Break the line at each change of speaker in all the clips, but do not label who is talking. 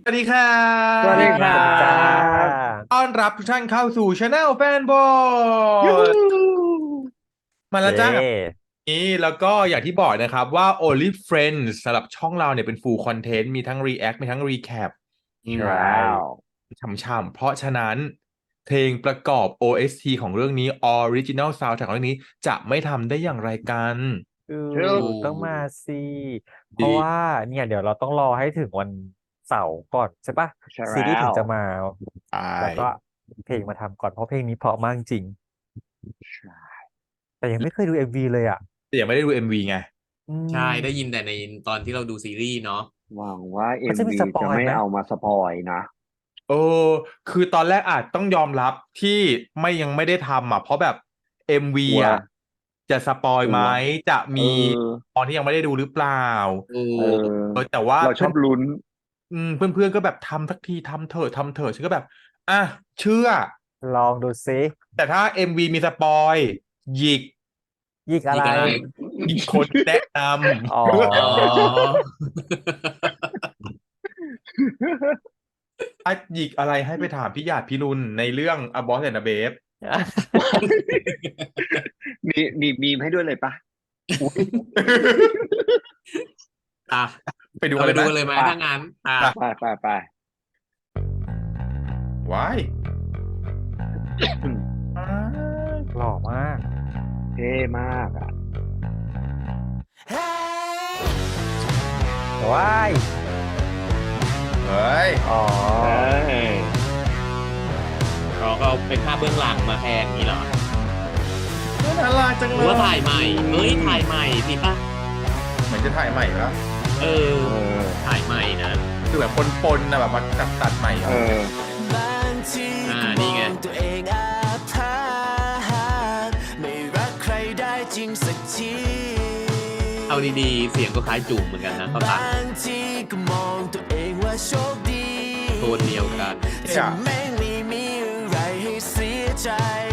วัสดีครั
สวัสดีครั
บ
จ้า
บ
ต้อนรับทุกท่านเข้าสู่ช anel แฟนบอ
ยูฮู
ยมาแล้ว
เย้
จ้ากับนี้แล้วก็อย่างที่บอกนะครับว่า Only Friends สำหรับช่องเราเนี่ยเป็น full content มีทั้ง react มีทั้ง recap
ใช่
ช่ำๆเพราะฉะนั้นเพลงประกอบ OST ของเรื่องนี้ Original Soundtrack ของเรื่องนี้จะไม่ทำได้อย่างไรกัน
อือ
ชื่อ
ต้องมาสิเพราะว่า
ดี
เนี่ยเดี๋ยวเราต้องรอให้ถึงวันเสาร์ก่อนใช่ปะ
ใช่
ซีรีส์
แล้ว
ถึงจะมา
ใช่
แล้วก็เพลงมาทำก่อนเพราะเพลงนี้เพราะมากจริง
ใช่
แต่ยังไม่เคยดูMVเลยอ่ะ
แต่ยังไม่ได้ดู MV ไง
อื
ใช่ได้ยิน
ม
แต่ในตอนที่เราดูซีรีส์เนาะ
หวังว่าเอ็
มันจะมี
มวี
สปอยไหม
จะไม่เอามาสปอยนะ
เออคือตอนแรกอาจต้องยอมรับที่ยังไม่ได้ทำอ่ะเพราะแบบเอ็มวี
กลัว
อ่ะจะสปอยไหม
กลัว
จะ
เอ
มี
อ
ตอนที่ยังไม่ได้ดูหรือเปล่า
ถู
เอ
ก
แต่ว่า
เราช
เพื่อน
อบลุ้น
เพื่อนๆก็แบบทำสักทีทำเถอะฉันก็แบบอ่ะเชื่อ
ลองดูซิ
แต่ถ้าเอ็มวีมีสปอยหยิก
ยิกอะไร
อีกอะไร
หยิกคนแนะน
อ๋อ
อ๋อ
ำถ้าหยิกอะไรให้ไปถามพี่หยาดพี่รุนในเรื่อง A Boss and a Babe
มีมีมให้ด้วยเลยปะ
อุ๊ย
อ่ะ
ไปดู
เรา
กันเลยไหม
ไปดูกันเลยไหม
ไป
ถ้างั้น
ไป
ไป
ว้าย
หล่อมาก
เท่มากอ่ะ
ว้าย
เฮ้ย
อ๋อ
เอ้ย
เราก็เอาเป็นภาพเบื้องหลังมาแทนนี้เหรอ
น่ารักจัง
ห
เล
รือว่าย ถ่ายใหม่เฮ้ยถ่ายใหม่สิป่ะ
เหมือนจะถ่ายใหม่แล้ว
เออ
เออ
ถ่ายใหม่นะ
คือแบบปนๆนะแบบมาตัดใหม่
เออ
นี่ไง
ตัวเองอาภาษไม่รักใครได้จริงสักที
เอาดีๆเสียงก็คล้ายจุ่มเหมือนกันนะเขาตัด
บางทีก็มองตัวเองว่าโชคดี
โทนเดียวกัน
ที่แม่งไม่มีอะไรให้เสียใจ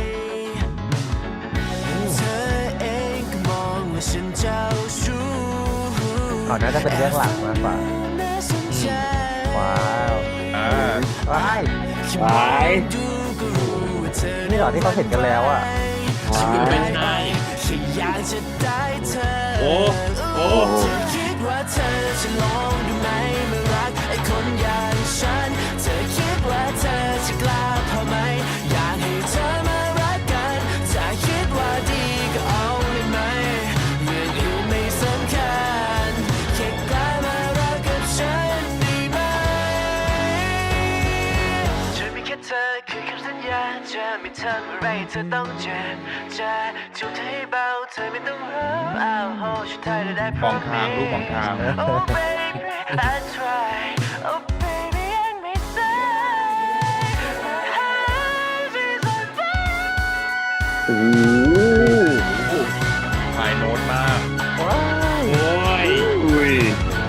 เธอเองก็มองว่าฉันเจ้าชู้
อ๋อน่าจะเป็นเรื่องหลังมากกว่า
น่าสนใจ
ว้าว
อ่า
ว้าย
หวาย
ดูก็รู้ว่าเธอ
นี่เหรอที่เขาเห็นกันแล้วอ่ะ
หวา
ไม่
ย
ใช่
แค่อยากจะได้เธอ
โอ้โอ้
เธอคิดว่าเธอจะลองดูไหมเมื่อรักไอ้คนอย่างฉันเธอคิดว่าเธอจะกล้าพอไหมอยากให้เธอมารักกันถ้าคิดว่าดีก็เอาเลยไหมเรื่องอื่นไม่สำคัญแค่กล้ามารักกับฉันได้ไหมฉันมีแค่เธอคือคำสัญญาจะไม่ทำอะไรเธอต้องเจ็บจะจูบเธอให้เบาเธอไม่ต้องรู้อ้าวโหฉันไทยได้พ
ม
ร้อ
อง
ม
ทางลูกมองทาง
Oh baby I try Oh baby ยังไม่ตาย My heart is on fire
โอ้โห
ไฮโน้ตมาก
ว้าย
โอ้ย
อุ้ย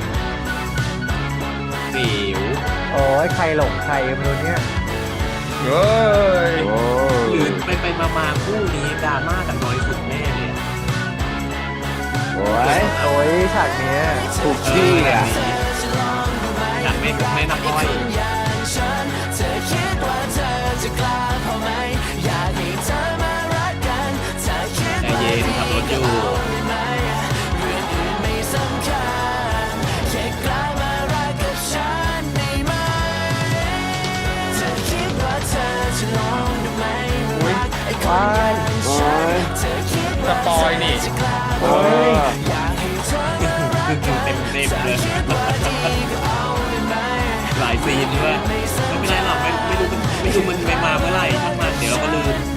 สิว
โอ้ยใครหลงใครไม่รู้เนี่ย
เฮ้ย
โอ้
หรือไปมาคู่นี้ดราม่ากันน้อยสุดแน่เลยอะ
โอ้ย
โอ้ยฉากเนี้ย
ถูกที่อ่ะ
อยากไม่นับอ้อย
อย่างฉันเธอคิดว่าเธอจะกล้าพอไหมอยากให้เธอมารักกันถ้าคิด
ใจ
ว่า
เย็นขับรถอยู่
ได้ไหมเรื่องอื่นไม่สำคัญแค่กล้ามารักกับฉันได้ไหมเธอคิดว่าเธอจะลองดูไหมมารักไอ้คนอย่างฉันเธอคิด
ส
ว่า
ปอยนี่
จะกล้าพ
เอ
อไหม
อ
อยากให้เธอมารักกัน
เต็มเลย
คิดว่าดีก็เอาได้ไหม
หลายซีนด้วยไม่เป็นไรหรอกไม่รู้มันไปมาเมื่อไหร่ช่างมันเดี๋ยวเราก็ลืม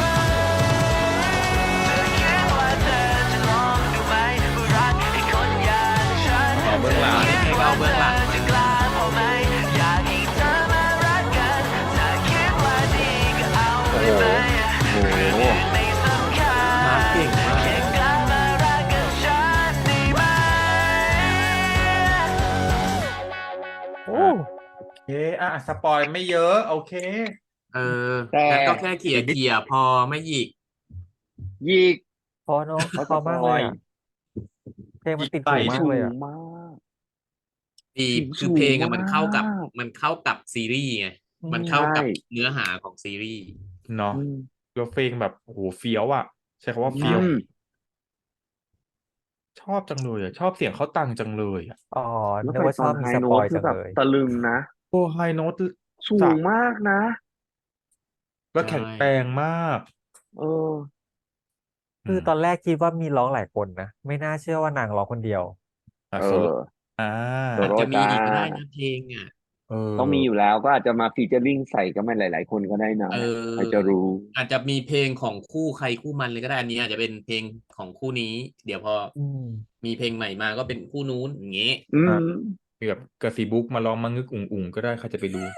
เอาเบื้องหลัง
นี่ไงก็เอาเบื้องหลังมา
โอ้โหโอ้โห
มาเก่งมาก
โอ้
โอเคสปอยไม่เยอะโอเค
เออ
แต่
งั้นก็แค่เขี่ยพอไม่หยิก
ยิก
พอเนอะ
เขา
พอมากเลยอ่ะเพลงมันติดหูมาก
สู
เลย
ง
อ่ะ
มาก
ดี
เสียง
คือเพลงอะมันเข้ากับ
สูงมาก
มันเข้ากับซีรีส์ไงมันเข้ากับเนื้อหาของซีรีส์
เนาะ
อืม
แล้วเพลงแบบโอ้โหเฟี้ยวอ่ะ ใช้คำว่า
ใช่
เฟี้ยว
อืม
ชอบจังเลยอ่ะ ชอบเสียงเขาตังจังเลยอ่ะ
อ๋อ
แล้ว
นึก
ไป
ว่า
ต
ช
อ
อน บ
ไฮ
มีส
โน้
ปอ
ต
ย
คื
จั
อง แบบ
เลย
ตะลึงนะ
โอ้ไฮโน้ต
สู
จาก
งมากนะ
แล้ว
ใช่
แข็งแรงมาก
เออ
คือตอนแรกคิดว่ามีร้องหลายคนนะ ไม่น่าเชื่อว่านางร้องคนเดียว
อ่ะ
เอ
โซโล่
อ
อ่า
โซ
อาจ
โล่
จะมี
จ้า
อีกก็ได้นะเพลงอ่ะ
เออ
ต้องมีอยู่แล้วก็อาจจะมาฟีเจอริ่งใส่กันมาหลาย ๆ คนก็ได้นะ
เอ
ใคร
อ
จะรู้
อาจจะมีเพลงของคู่ใครคู่มันเลยก็ได้อันนี้อาจจะเป็นเพลงของคู่นี้ เดี๋ยวพอ
อืม
มีเพลงใหม่มาก็เป็นคู่นู้นอย่างงี้
อื
อ่ะ
ม
มีแบบกระสีบุ๊กมาลองมางึกอุ่งๆก็ได้ใครจะไปรู้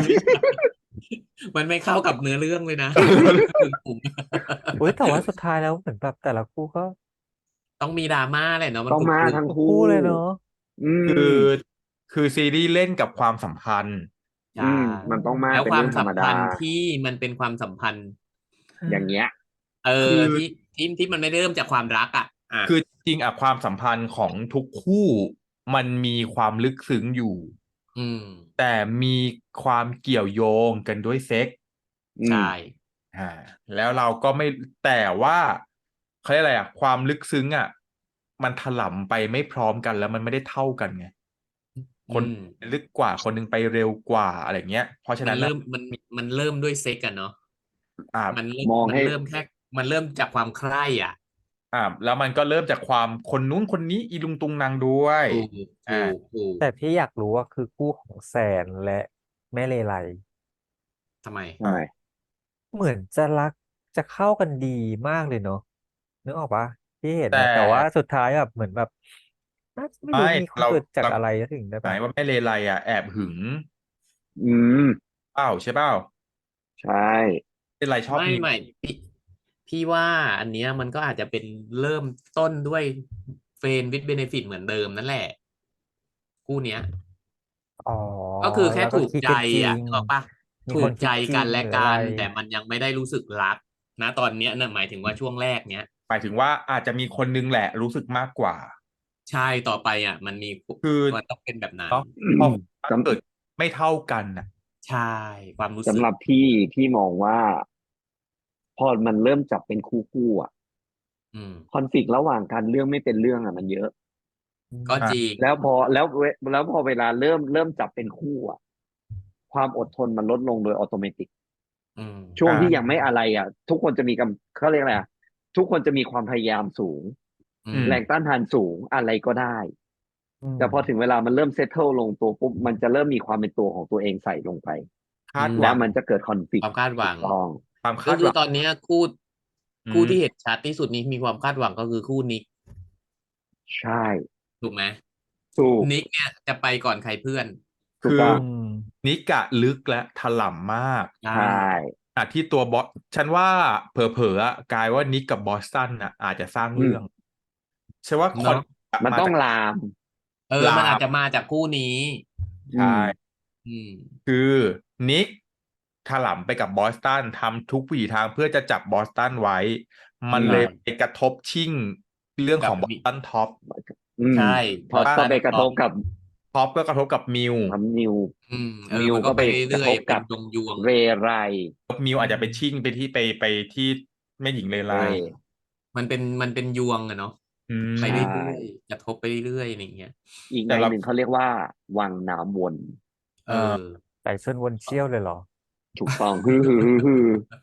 มันไม่เข้ากับเนื้อเรื่องเลยนะ
อุ้ยแต่ว่าสุดท้ายแล้วเหมือนแบบแต่ละคู่ก็
ต้องมีดราม่าแหละเนาะมัน
ต้อง
กรุบ
มาก
กรุบ
ทั้ง
ทุก
คู่
คู่เลยเนาะ
อื
คือ
ม
คือซีรีส์เล่นกับความสัมพันธ์
ใช่
อืม มันต้องมาก
แล้ว
เป็น
ควา
เรื่
ม
องธร
สั
ร
ม
มดา
พันธ์ที่มันเป็นความสัมพันธ์
อย่างเงี้ย
คือ
ที่มันไม่ได้เริ่มจากความรักอ่ะ
คือจริงอะความสัมพันธ์ของทุกคู่มันมีความลึกซึ้งอยู่
อืม
แต่มีความเกี่ยวโยงกันด้วยเซ็ก
อื
ใช
ม
่
แล้วเราก็ไม่แต่ว่าเขาเรียกอะไรอะความลึกซึ้งอะมันถลำไปไม่พร้อมกันแล้วมันไม่ได้เท่ากันไง คน
อืม
ลึกกว่าคนหนึงไปเร็วกว่าอะไรเงี้ย เพราะฉะ
มั
นั้น น
เริ่
น่ะ
มมันเริ่มด้วยเซ็กกันเนาะ
อ่า
มันเริ่
มอง
มัน
ให้
เริ่มแค่มันเริ่มจากความใคร่อ่ะ
แล้วมันก็เริ่มจากความคนนู้นคนนี้อีลุงตุงนางด้วย
ถูก
อ่า
ถูก
แต่พี่อยากรู้ว่าคือคู่ของแสนและแม่เลไล
ทำไม
ทำไม
เหมือนจะรักจะเข้ากันดีมากเลยเนาะนึกออกปะที่เห็น
แต่
นะแต่ว่าสุดท้ายแบบเหมือนแบบน่าไม่รู้
ไม่
มีความ
เรา
เกิดจาก
เรา
อะไรถึงได้
หมาย
แบบ
ว่าแม่เลไลอะแอบหึง
อืม
เปล่าใช่เปล่า
ใช่
เลไลชอบมิว
ไม่พี่ว่าอันเนี้ยมันก็อาจจะเป็นเริ่มต้นด้วยเฟรนด์วิดเบเนฟิตเหมือนเดิมนั่นแหละ คู่เนี้ย
อ๋อ
ก็คือแค่
แล้วก็
ถูก
คิด
ใจ
กันจริ
อ่ะ
ง
นึกออกปะ
มี
ถู
ค
ก
น
ใจ
คิดจริ
กั
ง
นและ
หรือ
กั
อะไร
น แต่มันยังไม่ได้รู้สึกรักนะตอนเนี้ยนะหมายถึงว่าช่วงแรกเนี้ย
หมายถึงว่าอาจจะมีคนนึงแหละรู้สึกมากกว่า
ใช่ต่อไปอ่ะ มันมี
คือ
มันต้องเป็นแบบนั้น
เนาะ
อื
พอ
ม
เกิดไม่เท่ากันน่ะ
ใช่ความรู้สึ
สำ
ก
หรับพี่มองว่า พอมันเริ่มจับเป็นคู่อ่ะ
อืม
คอนฟ lict ระหว่างกันเรื่องไม่เป็นเรื่องอ่ะมันเยอะ
ก็จริง
แล้วพอเวลาเริ่มจับเป็นคู่อ่ะ ความอดทนมันลดลงโดยอัตโนมัติ
อืม
ช่วง
อ่า
ที่ยังไม่อะไรอ่ะ ทุกคนจะมีเขาเรียกอะไรอ่ะทุกคนจะมีความพยายามสูง
อื
อื
ม
ม
แรงต้านทานสูงอะไรก็ได้ แต่พอถึงเวลามันเริ่มเซตเทิลลงตัวปุ๊บมันจะเริ่มมีความเป็นตัวของตัวเองใส่ลงไป
คาดห
แล้
วั
ว
ง
มันจะเกิดคอนฟ lict
ความคาดหวัง
ถูกต้อง
ความ
ก็
คาด
คื
ห
อ
วัง
ตอนเนี้ยคู่
อืม
คู่ที่เห็นชัดที่สุดนี้มีความคาดหวังก็คือคู่นิก
ใช่
ถูกไหม
ถูก
นิกเนี่ยจะไปก่อนใครเพื่อน
ถูก
คือ
ต้อง
นิกะลึกและถล่ำมาก
ใช่
ใช่
ที่ตัวบอสฉันว่าเผลอๆอะกลายว่านิกกับบอสตันอะอาจจะสร้างเรื่องใช่ว่าคอน
เนาะ
มันต้อง
จาก
ลาม
มันอาจ
ลาม
จะมาจากคู่นี้
ใช่
อืม
คือนิกถลำไปกับบอสตันทำทุกวิถีทางเพื่อจะจับบอสตันไว้ มันเลยไปกระทบชิ่งเรื่องของบอสตันท็อป
ใช่
พอก็ไปกระทบกับ
ท็อปก็กระทบกับมิว
นิว
มิว
มัน
ก็
ก็
ไป
ไปกระ
เรื่อ
ท
ย
บ
ๆเป็
กัน บ
ยวง
เรไร
มิวอาจจะไปชิ่งไปที่แม่หญิงเลไล
มันเป็นยวงอะเนาะ
อืม
ไป
ใช่
เรื่อยๆกระทบไปเรื่อยๆอย่างเงี้ย
อีก
แต่
ใน
เรา
หนึ่งเขาเรียกว่า วังน้ำวน
เออ
ไก่ชนวนเชี่ยวเลยเหรอ
ถูกต้องฮือฮือฮือฮือ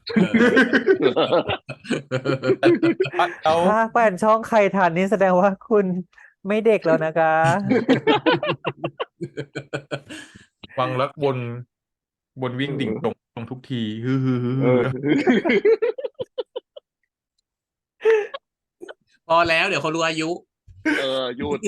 แล้ว
ถ้าแฟนช่องใครทันนี่แสดงว่าคุณไม่เด็กแล้วนะคะ
วังแล้วบนวิ่งดิ่งตรงทุกทีฮือฮือฮือ
เอ
ฮื
อ
อ
พอแล้วเดี๋ยวเขารู้อายุ
หยุด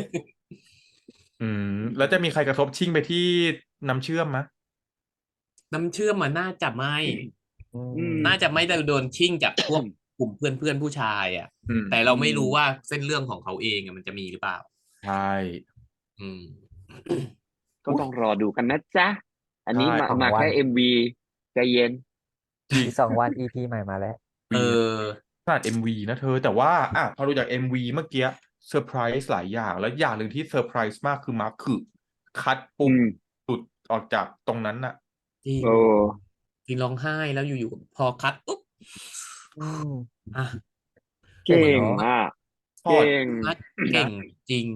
แล้วจะมีใครกระทบชิ่งไปที่น้ำเชื่อมไหม
น้ำเชื่อมมันน่าจะไม่
อืม
น่าจะไม่ได้โดนชิ่งจากพวกกลุ่มเพื่อนผู้ชายอ่ะ แต่เราไม่รู้ว่าเส้นเรื่องของเขาเองอะมันจะมีหรือเปล่า
ใช่
อืม
ก็ต้องรอดูกันนะจ๊ะ อันนี้
ใช่
มาแค่ MV ใจเย็น
จริง
อีก2 วัน EP ใหม่มาแล้ว
เออ
ขนาด MV นะเธอ แต่ว่าพอดูจาก MV เมื่อกี้เซอร์ไพรส์หลายอย่าง แล้วอย่างหนึ่งที่เซอร์ไพรส์มากคือมาร์คคือคัดปุ๊บ
อืม
สุดออกจากตรงนั้นน่ะ
จริง
เออ
จริงร้องไห้แล้วอยู่ๆพอคัดปุ๊บ
อืม
อ่ะ
เก่ง
เนอะ
อ่ะ
พอด
เก่ง
คัดเก่งจริง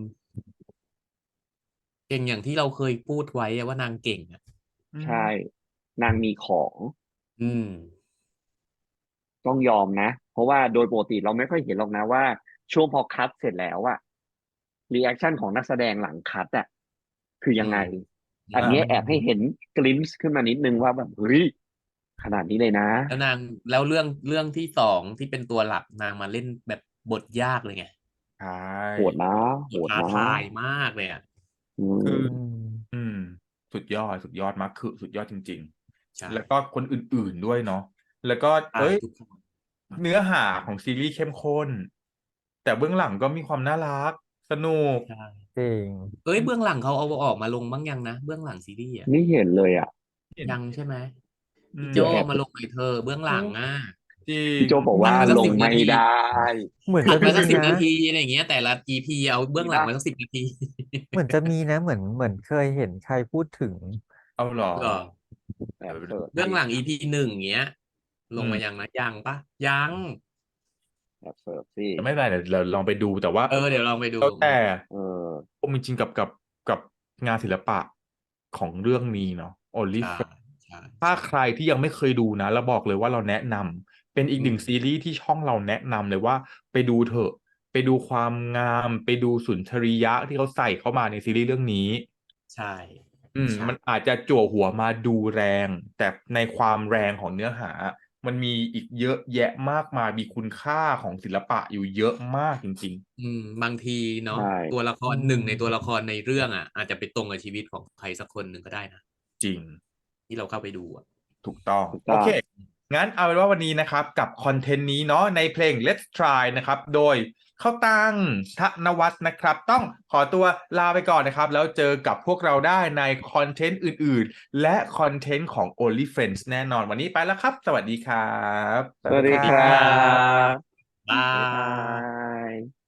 เก่งอย่างที่เราเคยพูดไว้อะว่านางเก่งอ่ะ
ใช่ นางมีของ
อืม
ต้องยอมนะ เพราะว่าโดยปกติเราไม่ค่อยเห็นหรอกนะว่าช่วงพอคัดเสร็จแล้วอะรีแอคชั่นของนักแสดงหลังคัดอะคือยังไง อันเนี้ยแอบให้เห็นกลิมส์ขึ้นมานิดนึงว่าแบบเฮ้ยขนาดนี้เลยนะ
แล้วเรื่องที่สองที่เป็นตัวหลักนางมาเล่นแบบบทยากเลยไง
ใช่
โหดนะ โหด
ท้า
นะ
ทายมากเลยอ่ะ
อื
คือ
ม
อืม สุดยอดมากคือสุดยอดจริง
ใช่
ๆ แล้วก็คนอื่นๆด้วยเนาะแล้วก็
ใช่
เอ้ย
ทุกคน
เนื้อหาของซีรีส์เข้มข้น แต่เบื้องหลังก็มีความน่ารัก สนุก
ใช่
จริง
เอ้ยเบื้องหลังเขาเอาออกมาลงบ้างยังนะเบื้องหลังซีรีส์อ่ะ
ไม่เห็นเลยอ่ะ
ยังใช่ไหม
อืม
พี่โจเอามาลงหน่อยเธอเบื้องหลังอ่ะ
จริง
พี่โจบอกว่า
มันสัก
ลง
10
ไม่
นาที
ได้
เหมือน
ตั
จะ
ดมา
มี
สัก10
นะ
นาทีอะไรอย่างเงี้ยแต่ละ EP เอาเบื้องหลังมาสัก10 นาที
เหมือนจะมีนะ เหมือนเคยเห็นใครพูดถึง
เอาเหรอ
เหรอ
แอบเสิร์ช
เบื้องหลัง EP 1เงี้ย ลงมา
อืม
ยังนะยังปะยัง
แอบเสิร์ชสิ
แต่ไม่เป็นไรเดี๋ยวเราลองไปดูแต่ว่า
เดี๋ยวลองไปดู
แล้วแต่
เออ
ผมจริงๆกับงานศิลปะของเรื่องนี้เนาะ Only
ใช่
Friends
ใช่
ถ้าใครที่ยังไม่เคยดูนะเราบอกเลยว่าเราแนะนำเป็นอีกหนึ่ง
อืม
ซีรีส์ที่ช่องเราแนะนำเลยว่าไปดูเถอะ ไปดูความงาม ไปดูสุนทรียะที่เขาใส่เข้ามาในซีรีส์เรื่องนี้
ใช่ ใช่
มันอาจจะจั่วหัวมาดูแรง แต่ในความแรงของเนื้อหา มันมีอีกเยอะแยะมากมายมีคุณค่าของศิลปะอยู่เยอะมากจริง
บางทีเนาะ
ใช่
ตัวละคร
อืม
หนึ่งในตัวละครในเรื่องอ่ะ อาจจะไปตรงกับชีวิตของใครสักคนหนึ่งก็ได้นะ
ๆ จริง
ที่เราเข้าไปดูอ่ะ
ถูกต้อง
ถูก
โอ
ต้อง
เค งั้นเอาเป็นว่าวันนี้นะครับกับคอนเทนต์นี้เนาะในเพลง Let's Try นะครับ โดยเข้าตังธนวัฒน์นะครับ ต้องขอตัวลาไปก่อนนะครับ แล้วเจอกับพวกเราได้ในคอนเทนต์อื่นๆ และคอนเทนต์ของ Only Friends แน่นอนวันนี้ไปแล้วครับ สวัสดีครับ
สวัสดี
สวัสดี
ค
ค
รั
รับ บ บ๊า
บ๊ายบาย ย